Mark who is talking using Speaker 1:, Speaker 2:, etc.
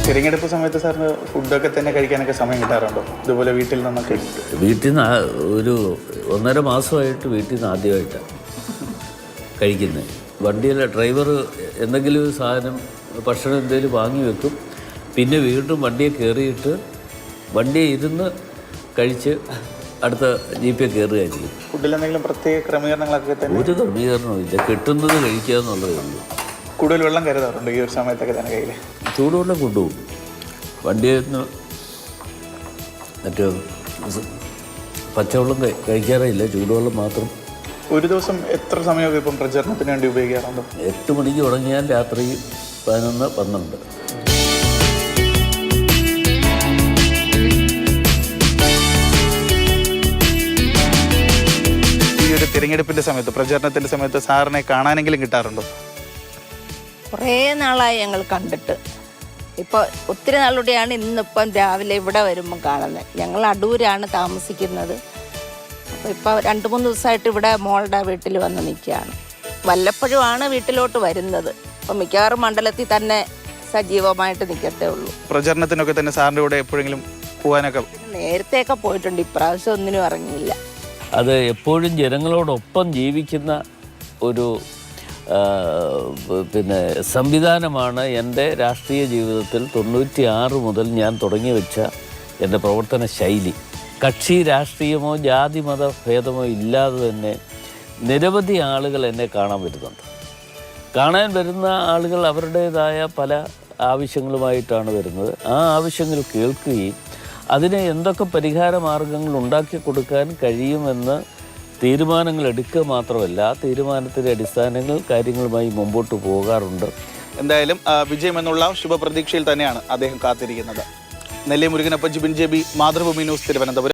Speaker 1: തിരഞ്ഞെടുപ്പ് സമയത്ത് സാറിന് ഫുഡൊക്കെ തന്നെ കഴിക്കാനൊക്കെ സമയം കിട്ടാറുണ്ടോ? ഇതുപോലെ വീട്ടിൽ നിന്നൊക്കെ?
Speaker 2: വീട്ടിൽ നിന്ന് ഒരു 1.5 മാസമായിട്ട് വീട്ടിൽ നിന്ന് ആദ്യമായിട്ടാണ് കഴിക്കുന്നത്. വണ്ടിയിലെ ഡ്രൈവർ എന്തെങ്കിലും ഒരു സാധനം ഭക്ഷണം എന്തെങ്കിലും വാങ്ങി വെക്കും, പിന്നെ വീണ്ടും വണ്ടിയെ കയറിയിട്ട് വണ്ടിയെ ഇരുന്ന് കഴിച്ച് അടുത്ത ജീപ്പിൽ കയറുകയായിരിക്കും.
Speaker 1: ഫുഡിൽ എന്തെങ്കിലും പ്രത്യേക ക്രമീകരണങ്ങളൊക്കെ തന്നെ?
Speaker 2: ഒരു ക്രമീകരണവും ഇല്ല, കിട്ടുന്നത് കഴിക്കുക എന്നുള്ളതേ ഉള്ളൂ.
Speaker 1: കൂടുതൽ വെള്ളം കരുതാറുണ്ട് ഈ ഒരു സമയത്തൊക്കെ തന്നെ കയ്യിൽ?
Speaker 2: ചൂടുവെള്ളം കൊണ്ടുപോകും. വണ്ടിയിൽ നിന്ന് മറ്റേ പച്ചവെള്ളം കഴിക്കാറില്ല, ചൂടുവെള്ളം മാത്രം.
Speaker 1: ഒരു ദിവസം എത്ര സമയമൊക്കെ ഇപ്പം പ്രചരണത്തിന് വേണ്ടി ഉപയോഗിക്കാറുണ്ട്?
Speaker 2: 8 മണിക്ക് തുടങ്ങിയാൽ രാത്രി 11, 12.
Speaker 1: ഈ ഒരു തിരഞ്ഞെടുപ്പിൻ്റെ സമയത്ത്, പ്രചരണത്തിൻ്റെ സമയത്ത് സാറിനെ കാണാനെങ്കിലും കിട്ടാറുണ്ടോ?
Speaker 3: കുറേ നാളായി ഞങ്ങൾ കണ്ടിട്ട്. ഇപ്പോൾ ഒത്തിരി നാളുകൂടെയാണ് ഇന്നിപ്പം രാവിലെ ഇവിടെ വരുമ്പം കാണുന്നത്. ഞങ്ങൾ അടൂരാണ് താമസിക്കുന്നത്. അപ്പോൾ ഇപ്പോൾ 2-3 ദിവസമായിട്ട് ഇവിടെ മോളുടെ വീട്ടിൽ വന്ന് നിൽക്കുകയാണ്. വല്ലപ്പോഴുമാണ് വീട്ടിലോട്ട് വരുന്നത്. അപ്പം മിക്കവാറും മണ്ഡലത്തിൽ തന്നെ സജീവമായിട്ട് നിൽക്കത്തേ ഉള്ളൂ.
Speaker 1: പ്രചരണത്തിനൊക്കെ തന്നെ സാറിൻ്റെ കൂടെ എപ്പോഴെങ്കിലും പോകാനൊക്കെ?
Speaker 3: നേരത്തെയൊക്കെ പോയിട്ടുണ്ട്, ഇപ്രാവശ്യം ഒന്നിനും ഇറങ്ങിയില്ല.
Speaker 2: അത് എപ്പോഴും ജനങ്ങളോടൊപ്പം ജീവിക്കുന്ന ഒരു സംവിധാനമാണ് എൻ്റെ രാഷ്ട്രീയ ജീവിതത്തിൽ 96 മുതൽ ഞാൻ തുടങ്ങി വെച്ച എൻ്റെ പ്രവർത്തന ശൈലി. കക്ഷി രാഷ്ട്രീയമോ ജാതി മത ഭേദമോ ഇല്ലാതെ തന്നെ നിരവധി ആളുകൾ എന്നെ കാണാൻ വരുന്നുണ്ട്. കാണാൻ വരുന്ന ആളുകൾ അവരുടേതായ പല ആവശ്യങ്ങളുമായിട്ടാണ് വരുന്നത്. ആ ആവശ്യങ്ങൾ കേൾക്കുകയും അതിന് എന്തൊക്കെ പരിഹാര മാർഗങ്ങൾ ഉണ്ടാക്കി കൊടുക്കാൻ കഴിയുമെന്ന് തീരുമാനങ്ങൾ എടുക്കുക മാത്രമല്ല, തീരുമാനത്തിൻ്റെ അടിസ്ഥാനങ്ങൾ കാര്യങ്ങളുമായി മുമ്പോട്ട് പോകാറുണ്ട്.
Speaker 1: എന്തായാലും വിജയമെന്നുള്ള ശുഭപ്രതീക്ഷയിൽ തന്നെയാണ് അദ്ദേഹം കാത്തിരിക്കുന്നത്. Nelli Murukanappan, Jibin JB, Mathrubhumi news, Thiruvananthapuram.